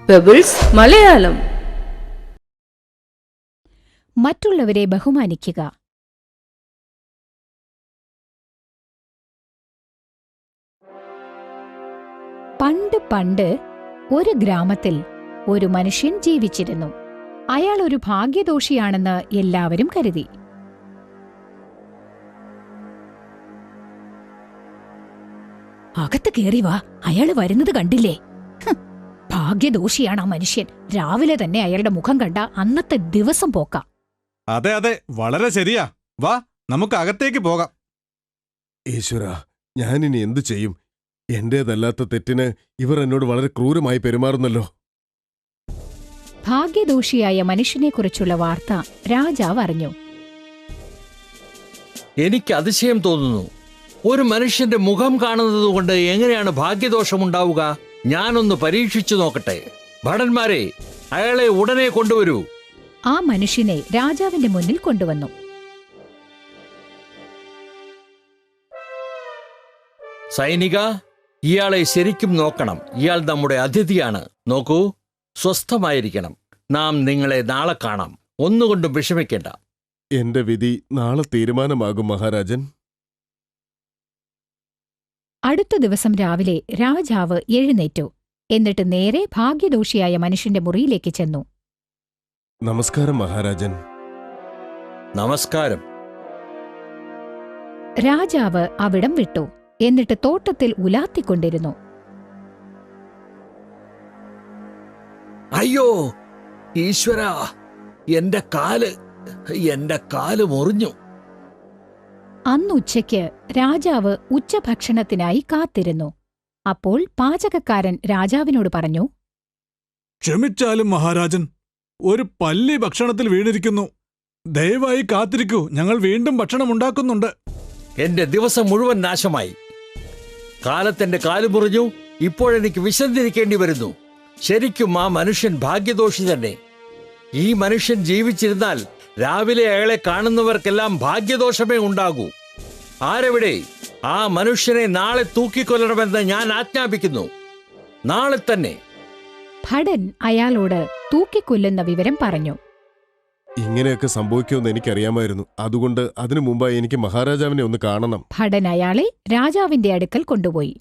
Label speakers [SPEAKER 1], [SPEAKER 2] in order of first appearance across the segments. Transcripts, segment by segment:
[SPEAKER 1] Pebbles Malayalam.
[SPEAKER 2] മറ്റുള്ളവരെ ബഹുമാനിക്കുക. പണ്ട് ഒരു ഗ്രാമത്തിൽ ഒരു മനുഷ്യൻ ജീവിച്ചിരുന്നു. അയാൾ ഒരു ഭാഗ്യദോഷിയാണെന്ന് എല്ലാവരും കരുതി. അകത്ത് കേറി വാ, അയാള് വരുന്നത് കണ്ടില്ലേ? ഭാഗ്യദോഷിയാണ് ആ മനുഷ്യൻ. രാവിലെ തന്നെ അയാളുടെ മുഖം കണ്ട അന്നത്തെ ദിവസം പോക്കാം.
[SPEAKER 3] അതെ അതെ, വളരെ ശരിയാ. വാ, നമുക്ക് അകത്തേക്ക് പോകാം.
[SPEAKER 4] ഈശ്വര, ഞാനിനി എന്തു ചെയ്യും? എന്റേതല്ലാത്ത തെറ്റിന് ഇവർ എന്നോട് വളരെ ക്രൂരമായി പെരുമാറുന്നല്ലോ.
[SPEAKER 2] ഭാഗ്യദോഷിയായ മനുഷ്യനെക്കുറിച്ചുള്ള വാർത്ത രാജാവ് അറിഞ്ഞു.
[SPEAKER 5] എനിക്ക് അതിശയം തോന്നുന്നു. ഒരു മനുഷ്യന്റെ മുഖം കാണുന്നത് കൊണ്ട് എങ്ങനെയാണ് ഭാഗ്യദോഷമുണ്ടാവുക? ഞാനൊന്ന് പരീക്ഷിച്ചു നോക്കട്ടെ. ഭടന്മാരെ, അയാളെ ഉടനെ കൊണ്ടുവരൂ.
[SPEAKER 2] ആ മനുഷ്യനെ രാജാവിന്റെ മുന്നിൽ കൊണ്ടുവന്നു.
[SPEAKER 5] സൈനിക, ഇയാളെ ശരിക്കും നോക്കണം. ഇയാൾ നമ്മുടെ അതിഥിയാണ്. നോക്കൂ, സ്വസ്ഥമായിരിക്കണം. നാം നിങ്ങളെ നാളെ കാണാം. ഒന്നുകൊണ്ടും വിഷമിക്കേണ്ട.
[SPEAKER 4] എന്റെ വിധി നാളെ തീരുമാനമാകും മഹാരാജൻ.
[SPEAKER 2] അടുത്ത ദിവസം രാവിലെ രാജാവ് എഴുന്നേറ്റു. എന്നിട്ട് നേരെ ഭാഗ്യദോഷിയായ മനുഷ്യന്റെ മുറിയിലേക്ക് ചെന്നു.
[SPEAKER 4] നമസ്കാരം മഹാരാജൻ.
[SPEAKER 5] നമസ്കാരം.
[SPEAKER 2] രാജാവ് അവിടം വിട്ടു. എന്നിട്ട് തോട്ടത്തിൽ ഉലാത്തിക്കൊണ്ടിരുന്നു.
[SPEAKER 5] അയ്യോ ഈശ്വര, എന്റെ കാല് മുറിഞ്ഞു.
[SPEAKER 2] അന്നുച്ചയ്ക്ക് രാജാവ് ഉച്ചഭക്ഷണത്തിനായി കാത്തിരുന്നു. അപ്പോൾ പാചകക്കാരൻ രാജാവിനോട് പറഞ്ഞു,
[SPEAKER 3] ക്ഷമിച്ചാലും മഹാരാജൻ, ഒരു പല്ലി ഭക്ഷണത്തിൽ വീണിരിക്കുന്നു. ദയവായി കാത്തിരിക്കൂ, ഞങ്ങൾ വീണ്ടും ഭക്ഷണം ഉണ്ടാക്കുന്നുണ്ട്.
[SPEAKER 5] എന്റെ ദിവസം മുഴുവൻ നാശമായി. കാലത്തെന്റെ കാല് മുറിഞ്ഞു. ഇപ്പോഴെനിക്ക് വിശന്നിരിക്കേണ്ടി വരുന്നു. ശരിക്കും ആ മനുഷ്യൻ ഭാഗ്യദോഷി തന്നെ. ഈ മനുഷ്യൻ ജീവിച്ചിരുന്നാൽ രാവിലെ അയാളെ കാണുന്നവർക്കെല്ലാം ഭാഗ്യദോഷമേ ഉണ്ടാകൂ. ആരെവിടെ? ആ മനുഷ്യനെ നാളെ തൂക്കിക്കൊല്ലണമെന്ന് ഞാൻ ആജ്ഞാപിക്കുന്നു. നാളെ തന്നെ.
[SPEAKER 2] ഭടൻ അയാളോട് തൂക്കിക്കൊല്ലുന്ന വിവരം പറഞ്ഞു.
[SPEAKER 4] ഇങ്ങനെയൊക്കെ സംഭവിക്കുമെന്ന് എനിക്കറിയാമായിരുന്നു. അതുകൊണ്ട് അതിനു മുമ്പായി എനിക്ക് മഹാരാജാവിനെ ഒന്ന് കാണണം.
[SPEAKER 2] ഭടൻ അയാളെ രാജാവിന്റെ അടുക്കൽ കൊണ്ടുപോയി.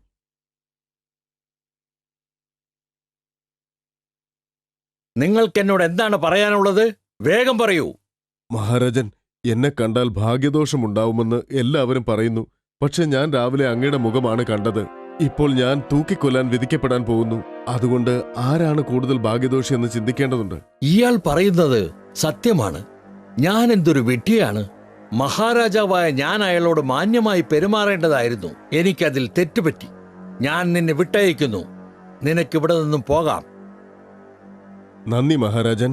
[SPEAKER 5] നിങ്ങൾക്കെന്നോട് എന്താണ് പറയാനുള്ളത്? വേഗം പറയൂ.
[SPEAKER 4] മഹാരാജൻ, എന്നെ കണ്ടാൽ ഭാഗ്യദോഷമുണ്ടാവുമെന്ന് എല്ലാവരും പറയുന്നു. പക്ഷെ ഞാൻ രാവിലെ അങ്ങയുടെ മുഖമാണ് കണ്ടത്. ഇപ്പോൾ ഞാൻ തൂക്കിക്കൊല്ലാൻ വിധിക്കപ്പെടാൻ പോകുന്നു. അതുകൊണ്ട് ആരാണ് കൂടുതൽ ഭാഗ്യദോഷി എന്ന് ചിന്തിക്കേണ്ടതുണ്ട്.
[SPEAKER 5] ഇയാൾ പറയുന്നത് സത്യമാണ്. ഞാൻ എന്തൊരു വിഡ്ഢിയാണ്. മഹാരാജാവായ ഞാൻ അയാളോട് മാന്യമായി പെരുമാറേണ്ടതായിരുന്നു. എനിക്കതിൽ തെറ്റുപറ്റി. ഞാൻ നിന്നെ വിട്ടയക്കുന്നു. നിനക്കിവിടെ നിന്നും പോകാം.
[SPEAKER 4] നന്ദി മഹാരാജൻ.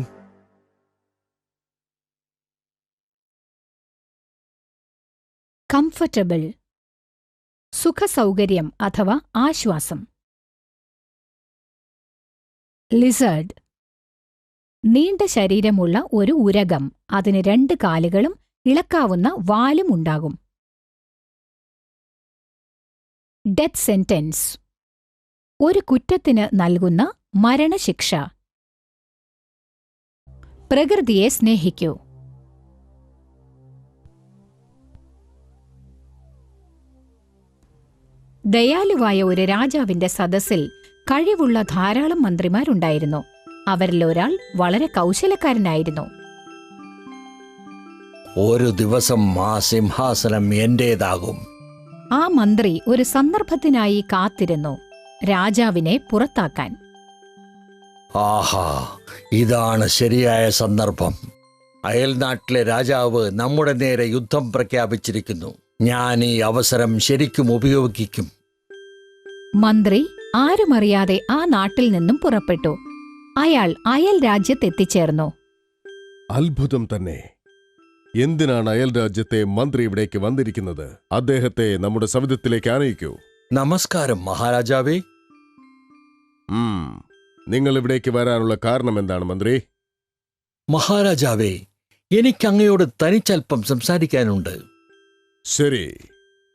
[SPEAKER 2] കംഫർട്ടബിൾ, സുഖസൗകര്യം അഥവാ ആശ്വാസം. ലിസേർഡ്, നീണ്ട ശരീരമുള്ള ഒരു ഉരഗം. അതിന് 2 കാലുകളും ഇളക്കാവുന്ന വാലും ഉണ്ടാകും. ഡെത്ത് സെന്റൻസ്, ഒരു കുറ്റത്തിന് നൽകുന്ന മരണശിക്ഷ. പ്രകൃതിയെ സ്നേഹിക്കൂ. ദയാലുവായ ഒരു രാജാവിന്റെ സദസ്സിൽ കഴിവുള്ള ധാരാളം മന്ത്രിമാരുണ്ടായിരുന്നു. അവരിലൊരാൾ വളരെ കൗശലക്കാരനായിരുന്നു.
[SPEAKER 5] ഒരു ദിവസം ആ സിംഹാസനം എന്റേതാകും.
[SPEAKER 2] ആ മന്ത്രി ഒരു സന്ദർഭത്തിനായി കാത്തിരുന്നു, രാജാവിനെ പുറത്താക്കാൻ.
[SPEAKER 5] ആഹാ, ഇതാണ് ശരിയായ സന്ദർഭം. അയൽനാട്ടിലെ രാജാവ് നമ്മുടെ നേരെ യുദ്ധം പ്രഖ്യാപിച്ചിരിക്കുന്നു. ഞാൻ ഈ അവസരം ശരിക്കും ഉപയോഗിക്കും.
[SPEAKER 2] മന്ത്രി ആരുമറിയാതെ ആ നാട്ടിൽ നിന്നും പുറപ്പെട്ടു. അയാൾ അയൽ രാജ്യത്തെത്തിച്ചേർന്നു.
[SPEAKER 4] അത്ഭുതം തന്നെ. എന്തിനാണ് അയൽ രാജ്യത്തെ മന്ത്രി ഇവിടേക്ക് വന്നിരിക്കുന്നത്? അദ്ദേഹത്തെ നമ്മുടെ സവിധത്തിലേക്ക് ആനയിക്കൂ.
[SPEAKER 5] നമസ്കാരം മഹാരാജാവേ.
[SPEAKER 4] നിങ്ങൾ ഇവിടേക്ക് വരാനുള്ള കാരണം എന്താണ് മന്ത്രി?
[SPEAKER 5] മഹാരാജാവേ, എനിക്ക് അങ്ങയോട് തനിച്ചൽപ്പം സംസാരിക്കാനുണ്ട്.
[SPEAKER 4] ശരി.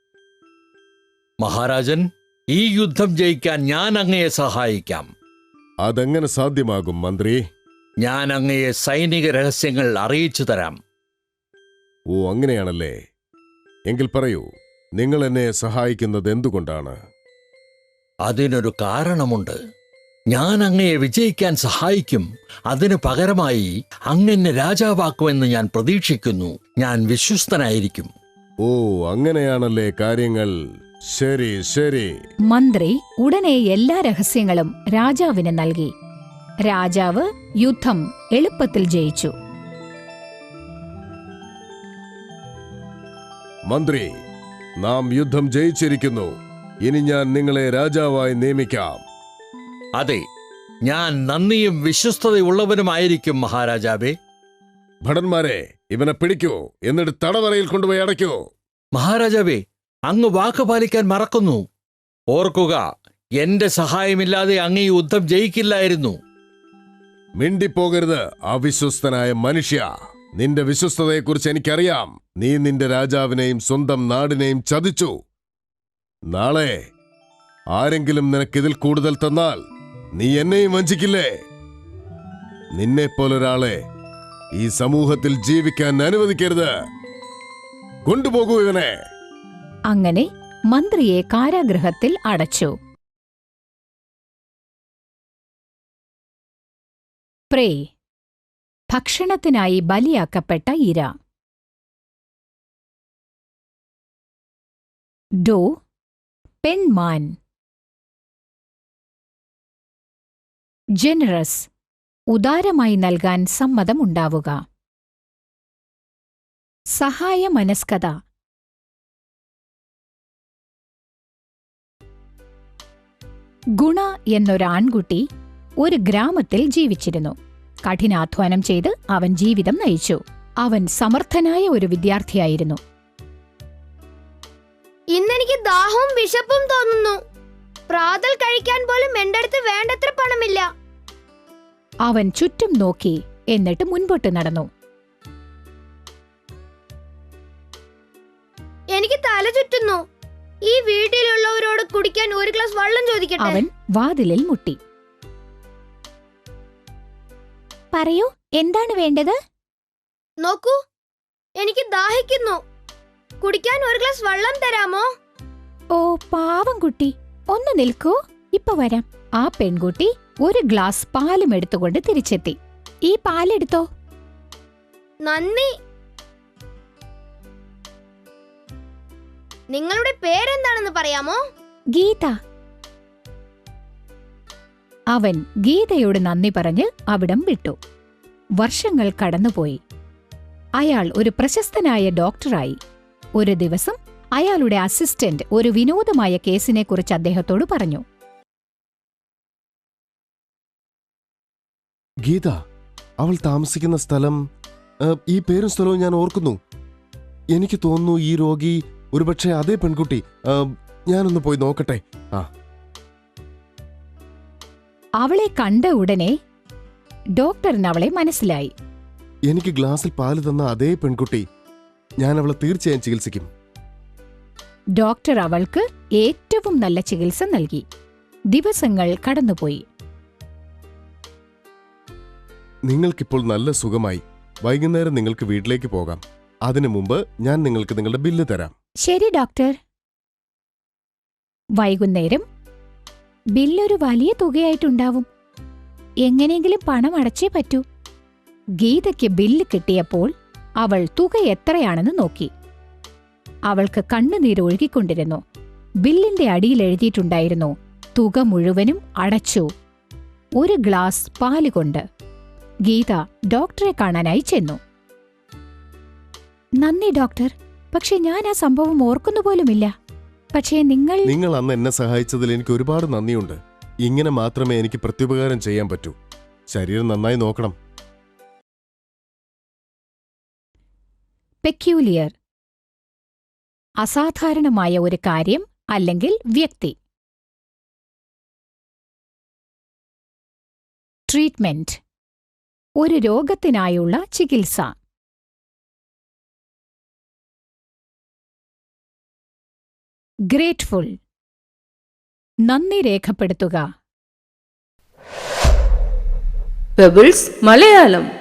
[SPEAKER 5] മഹാരാജൻ, ഈ യുദ്ധം ജയിക്കാൻ ഞാൻ അങ്ങയെ സഹായിക്കാം.
[SPEAKER 4] അതെങ്ങനെ സാധ്യമാകും മന്ത്രി?
[SPEAKER 5] ഞാൻ അങ്ങയെ സൈനിക രഹസ്യങ്ങൾ അറിയിച്ചു തരാം.
[SPEAKER 4] ഓ, അങ്ങനെയാണല്ലേ. എങ്കിൽ പറയൂ, നിങ്ങൾ എന്നെ സഹായിക്കുന്നത് എന്തുകൊണ്ടാണ്?
[SPEAKER 5] അതിനൊരു കാരണമുണ്ട്. ഞാൻ അങ്ങയെ വിജയിക്കാൻ സഹായിക്കും. അതിനു പകരമായി അങ്ങെന്നെ രാജാവാക്കുമെന്ന് ഞാൻ പ്രതീക്ഷിക്കുന്നു. ഞാൻ വിശ്വസ്തനായിരിക്കും.
[SPEAKER 4] ഓ, അങ്ങനെയാണല്ലേ കാര്യങ്ങൾ. ശരി ശരി.
[SPEAKER 2] മന്ത്രി ഉടനെ എല്ലാ രഹസ്യങ്ങളും രാജാവിന് നൽകി. രാജാവ് യുദ്ധം എളുപ്പത്തിൽ ജയിച്ചു.
[SPEAKER 4] മന്ത്രി, നാം യുദ്ധം ജയിച്ചിരിക്കുന്നു. ഇനി ഞാൻ നിങ്ങളെ രാജാവായി നിയമിക്കാം.
[SPEAKER 5] അതെ, ഞാൻ നന്ദിയും വിശ്വസ്തതയുള്ളവനുമായിരിക്കും മഹാരാജാവേ.
[SPEAKER 4] ഭടന്മാരെ, ഇവനെ പിടിക്കൂ, എന്നിട്ട് തടവറയിൽ കൊണ്ടുപോയി അടയ്ക്കൂ.
[SPEAKER 5] മഹാരാജാവേ, അങ്ങ് വാക്ക് പാലിക്കാൻ മറക്കുന്നു. ഓർക്കുക, എന്റെ സഹായമില്ലാതെ അങ്ങ് ഈ യുദ്ധം ജയിക്കില്ലായിരുന്നു.
[SPEAKER 4] മിണ്ടിപ്പോകരുത് അവിശ്വസ്തനായ മനുഷ്യ. നിന്റെ വിശ്വസ്തതയെക്കുറിച്ച് എനിക്കറിയാം. നീ നിന്റെ രാജാവിനെയും സ്വന്തം നാടിനെയും ചതിച്ചു. നാളെ ആരെങ്കിലും നിനക്കിതിൽ കൂടുതൽ തന്നാൽ നീ എന്നെയും വഞ്ചിക്കില്ലേ? നിന്നെപ്പോലൊരാളെ ഈ സമൂഹത്തിൽ ജീവിക്കാൻ അനുവദിക്കരുത്. കൊണ്ടുപോകൂ ഇവനെ.
[SPEAKER 2] അങ്ങനെ മന്ത്രിയെ കാരാഗൃഹത്തിൽ അടച്ചു. പ്രേ, ഭക്ഷണത്തിനായി ബലിയാക്കപ്പെട്ട ഇര. ഡോ, പെൺമാൻ. ജനറസ്, ഉദാരമായി നൽകാൻ സമ്മതമുണ്ടാവുക. സഹായ മനസ്കത. ഗുണ എന്നൊരാൺകുട്ടി ഒരു ഗ്രാമത്തിൽ ജീവിച്ചിരുന്നു. കഠിനാധ്വാനം ചെയ്ത് അവൻ ജീവിതം നയിച്ചു. അവൻ സമർത്ഥനായ ഒരു വിദ്യാർത്ഥിയായിരുന്നു.
[SPEAKER 1] ഇന്നെനിക്ക് ദാഹവും വിശപ്പും തോന്നുന്നു. പ്രാതൽ കഴിക്കാൻ പോലും എന്റെ അടുത്ത് വേണ്ടത്ര പണമില്ല.
[SPEAKER 2] അവൻ ചുറ്റും നോക്കി, എന്നിട്ട് മുൻപോട്ട് നടന്നു.
[SPEAKER 1] എനിക്ക് തല ചുറ്റുന്നു. ഈ വീട്ടിലുള്ളവരോട് കുടിക്കാൻ ഒരു ഗ്ലാസ് വെള്ളം ചോദിക്കട്ടെ.
[SPEAKER 2] അവൻ വാതിലിൽ മുട്ടി. പറയൂ, എന്താണ് വേണ്ടത്?
[SPEAKER 1] നോക്കൂ, എനിക്ക് ദാഹിക്കുന്നു. കുടിക്കാൻ ഒരു ഗ്ലാസ് വെള്ളം തരാമോ?
[SPEAKER 2] ഓ പാവം കുട്ടി, ഒന്ന് നിൽക്കൂ, ഇപ്പൊ വരാം. ആ പെൺകുട്ടി ഒരു ഗ്ലാസ് പാലും എടുത്തുകൊണ്ട് തിരിച്ചെത്തി. ഈ പാലെടുത്തോ.
[SPEAKER 1] നന്ദി. നിങ്ങളുടെ പേരെന്താണെന്ന് പറയാമോ?
[SPEAKER 2] ഗീത. അവൻ ഗീതയോട് നന്ദി പറഞ്ഞ് അവിടം വിട്ടു. വർഷങ്ങൾ കടന്നുപോയി. അയാൾ ഒരു പ്രശസ്തനായ ഡോക്ടറായി. ഒരു ദിവസം അയാളുടെ അസിസ്റ്റന്റ് ഒരു വിനോദമായ കേസിനെക്കുറിച്ച് അദ്ദേഹത്തോട് പറഞ്ഞു.
[SPEAKER 4] ഗീത, അവൾ താമസിക്കുന്ന സ്ഥലം, ഈ പേരും സ്ഥലവും ഞാൻ ഓർക്കുന്നു. എനിക്ക് തോന്നുന്നു ഈ രോഗി ഒരുപക്ഷെ അതേ പെൺകുട്ടി. ഞാനൊന്ന് പോയി നോക്കട്ടെ.
[SPEAKER 2] അവളെ കണ്ട ഉടനെ ഡോക്ടറിന് അവളെ മനസ്സിലായി.
[SPEAKER 4] എനിക്ക് ഗ്ലാസിൽ പാല് തന്ന അതേ പെൺകുട്ടി. ഞാൻ അവളെ തീർച്ചയായും ചികിത്സിക്കും.
[SPEAKER 2] ഡോക്ടർ അവൾക്ക് ഏറ്റവും നല്ല ചികിത്സ നൽകി. ദിവസങ്ങൾ കടന്നുപോയി.
[SPEAKER 4] നിങ്ങൾക്കിപ്പോൾ നല്ല സുഖമായി. വൈകുന്നേരം നിങ്ങൾക്ക് വീട്ടിലേക്ക് പോകാം. അതിനു മുമ്പ് ഞാൻ നിങ്ങൾക്ക് നിങ്ങളുടെ ബില്ല് തരാം.
[SPEAKER 2] ശരി ഡോക്ടർ. വൈകുന്നേരം ബില്ലൊരു വലിയ തുകയായിട്ടുണ്ടാവും. എങ്ങനെയെങ്കിലും പണം അടച്ചേ പറ്റൂ. ഗീതയ്ക്ക് ബില്ല് കിട്ടിയപ്പോൾ അവൾ തുക എത്രയാണെന്ന് നോക്കി. അവൾക്ക് കണ്ണുനീരൊഴുകിക്കൊണ്ടിരുന്നു. ബില്ലിന്റെ അടിയിൽ എഴുതിയിട്ടുണ്ടായിരുന്നു, തുക മുഴുവനും അടച്ചു, ഒരു ഗ്ലാസ് പാല് കൊണ്ട്. ഗീത ഡോക്ടറെ കാണാനായി ചെന്നു. നന്ദി ഡോക്ടർ, പക്ഷെ ഞാൻ ആ സംഭവം ഓർക്കുന്നുപോലുമില്ല. പക്ഷേ നിങ്ങൾ
[SPEAKER 4] അന്ന് എന്നെ സഹായിച്ചതിൽ എനിക്ക് ഒരുപാട് നന്ദിയുണ്ട്. ഇങ്ങനെ മാത്രമേ എനിക്ക് പ്രത്യുപകാരം ചെയ്യാൻ പറ്റൂ. ശരീരം നന്നായി നോക്കണം.
[SPEAKER 2] പെക്യൂലിയർ, അസാധാരണമായ ഒരു കാര്യം അല്ലെങ്കിൽ വ്യക്തി. ട്രീറ്റ്മെന്റ്, ഒരു രോഗത്തിനായുള്ള ചികിത്സ. ഗ്രേറ്റ്ഫുൾ, നന്ദി രേഖപ്പെടുത്തുക.
[SPEAKER 6] പെബിൾസ് മലയാളം.